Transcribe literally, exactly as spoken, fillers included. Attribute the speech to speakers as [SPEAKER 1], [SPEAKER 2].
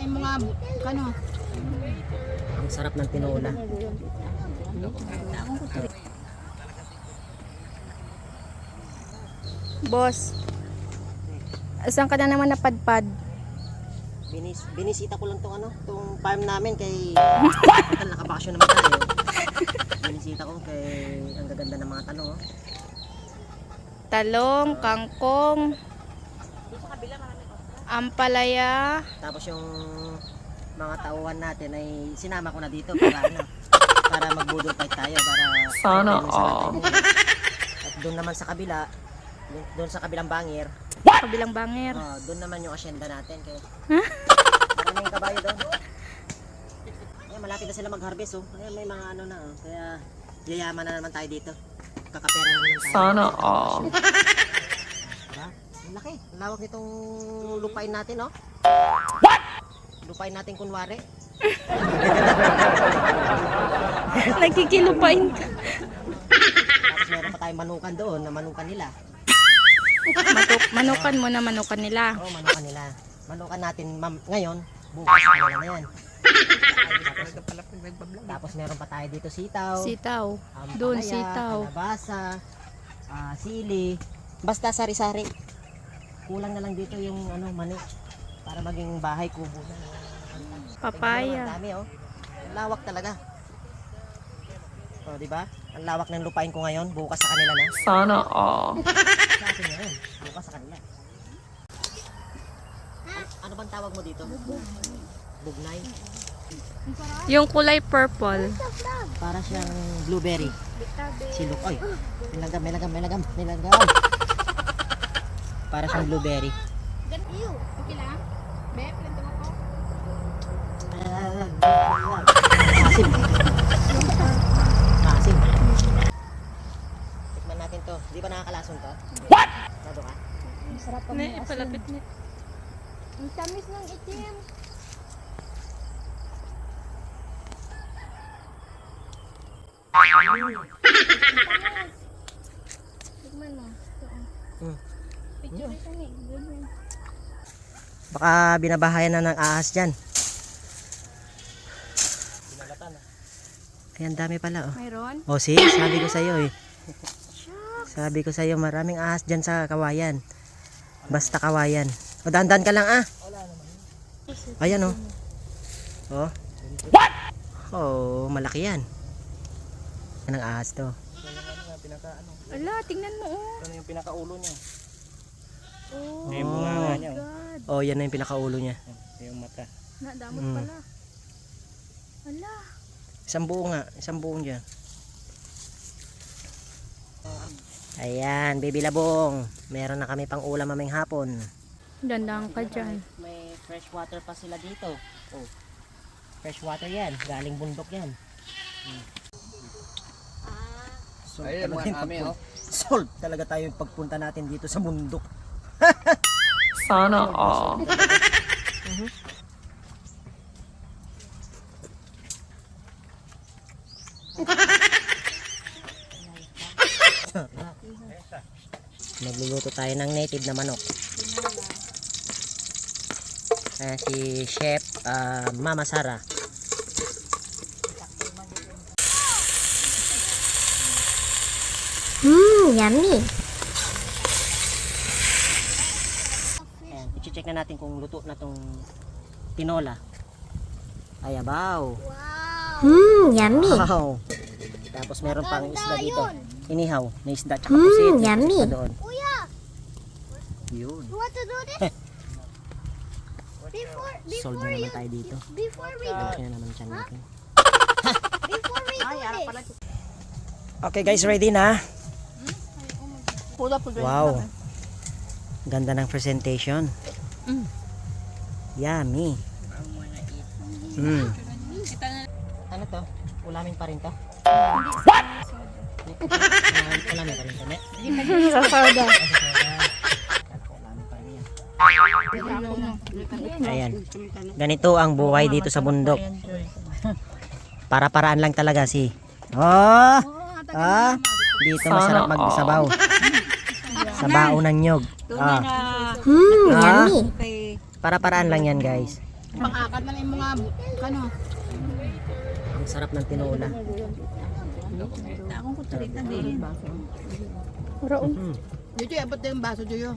[SPEAKER 1] May mga, ano?
[SPEAKER 2] Ang sarap ng tinola.
[SPEAKER 3] Boss, saan ka na naman napadpad?
[SPEAKER 2] Binis, binisita ko lang tong ano, tong farm namin kay total nakabakasyon naman tayo. Binisita ko kay ang gaganda ng mga talong, oh.
[SPEAKER 3] Talong, kangkong, ampalaya.
[SPEAKER 2] Tapos yung mga tauhan natin ay sinama ko na dito para ano, para magbudol fight tayo para sana all. At doon naman sa kabila, doon sa kabilang bangir,
[SPEAKER 3] Kabilang bangir.
[SPEAKER 2] oh, doon naman yung asyenda natin kay
[SPEAKER 3] Huh?
[SPEAKER 2] maraming kabayo doon. Ayan, malapit na sila mag-harvest, oh. Ayan, may mga ano na, oh. Kaya yayaman na naman tayo dito. Kakapera na naman tayo. Sana all. Diba? Ang laki. Ang lawak nitong lupain natin, oh. What? Lupain natin kunwari.
[SPEAKER 3] Nagkikilupain ka.
[SPEAKER 2] Tapos meron pa tayong manukan doon na manukan nila.
[SPEAKER 3] Matuk manukan mo na manukan nila.
[SPEAKER 2] Oo, manukan nila. Manukan natin mam- ngayon, bukas kanila na yan. Tapos, tapos meron pa tayo dito sitaw.
[SPEAKER 3] Sitaw.
[SPEAKER 2] ampalaya,
[SPEAKER 3] Doon sitaw.
[SPEAKER 2] kalabasa, ah, sili. Basta sari-sari. Kulang na lang dito yung ano, mani para maging bahay kubo na.
[SPEAKER 3] Papaya.
[SPEAKER 2] Ang dami, oh. Ang lawak talaga. Oh, di ba? Ang lawak ng lupain ko ngayon, bukas sa kanila na. Sana all. Sa akin ngayon, bukas sa kanila. A- ano bang tawag mo dito? Bugnay.
[SPEAKER 3] Yung kulay purple.
[SPEAKER 2] Para siyang blueberry. Silok. Oy, may lagam, may lagam, may lagam, may lagam. Para siyang blueberry.
[SPEAKER 1] Ganito. Okay lang? Be, planto mo ko.
[SPEAKER 2] Asim. Asim. Tikman natin to. Di ba nakakalason to? What? Nado ka?
[SPEAKER 1] Masarap pa
[SPEAKER 3] Ne, palapit ni.
[SPEAKER 1] Ang tamis ng itim. Tignan mo. Ito, oh.
[SPEAKER 2] Hmm.
[SPEAKER 1] Picture ito ni. Ganyan.
[SPEAKER 2] Baka binabahayan na ng ahas dyan. Ayan, dami pala, oh.
[SPEAKER 3] Mayroon?
[SPEAKER 2] Oh, see? Sabi ko sa'yo, eh. Sabi ko sa'yo, maraming ahas dyan sa kawayan. Basta kawayan. O, dandan ka lang, ah. Ayan, oh. Oh. What? Oh, malaki yan. Yan ang ahas to.
[SPEAKER 3] Ala, tingnan mo oh.
[SPEAKER 4] Ano yung pinakaulo niya?
[SPEAKER 3] Oh,
[SPEAKER 4] Yung bunganga niya. oh.
[SPEAKER 3] God.
[SPEAKER 2] Oh, yan na yung pinakaulo niya.
[SPEAKER 4] Yan, yung mata.
[SPEAKER 3] Nadamot
[SPEAKER 2] Mm.
[SPEAKER 3] pala. Ala.
[SPEAKER 2] Isang buo nga. Isang buong dyan. Ayan, baby labong. Meron na kami pang ulam maming hapon.
[SPEAKER 3] Dandang ka dyan.
[SPEAKER 2] May fresh water pa sila dito. Oh. Fresh water yan. Galing bundok yan. Hmm. Solve
[SPEAKER 4] Ayun,
[SPEAKER 2] talaga
[SPEAKER 4] mga
[SPEAKER 2] yung
[SPEAKER 4] kami,
[SPEAKER 2] pagpun-
[SPEAKER 4] oh.
[SPEAKER 2] Solve talaga tayo yung pagpunta natin dito sa bundok.
[SPEAKER 4] Sana all.
[SPEAKER 2] Magluluto tayo ng native na manok. Ayan si Chef ah, Mama Sara.
[SPEAKER 5] Mmm, yummy.
[SPEAKER 2] Ayan, i-check na natin kung luto na tong tinola. Ay, abaw.
[SPEAKER 5] Mmm, yummy.
[SPEAKER 2] Wow. Tapos meron pang isda dito. Inihaw, may isda tsaka
[SPEAKER 5] Mm,
[SPEAKER 2] pusit. May
[SPEAKER 5] yummy.
[SPEAKER 2] isda doon.
[SPEAKER 1] Kuya,
[SPEAKER 2] Yun.
[SPEAKER 1] you want to do this? Before,
[SPEAKER 2] Solve na naman tayo dito.
[SPEAKER 1] before we do,
[SPEAKER 2] Tapos na naman siya natin.
[SPEAKER 1] before we do this.
[SPEAKER 2] Okay guys, ready na?
[SPEAKER 1] Pula po
[SPEAKER 2] Wow. Ganda ng presentation.
[SPEAKER 3] Mm.
[SPEAKER 2] Yummy. Mm. Ano to? Ulamin pa rin to? What? Ulamin pa rin to, ne?
[SPEAKER 3] Sa soda.
[SPEAKER 2] Ulamin pa rin yan. Ayan. Ganito ang buhay dito sa bundok. Para-paraan lang talaga si. Oh! Ah, dito masarap magsabaw. Sabaw ng nyog. Ah.
[SPEAKER 5] Mmm,
[SPEAKER 2] Ah.
[SPEAKER 5] yummy.
[SPEAKER 2] Para-paraan lang yan, guys.
[SPEAKER 1] Pang-akat na yung mga, ano.
[SPEAKER 2] Ang sarap ng tinola.
[SPEAKER 1] Akong kutsarita din.
[SPEAKER 3] Raon.
[SPEAKER 2] Mm.
[SPEAKER 1] Jojo, abot na yung baso, Jojo.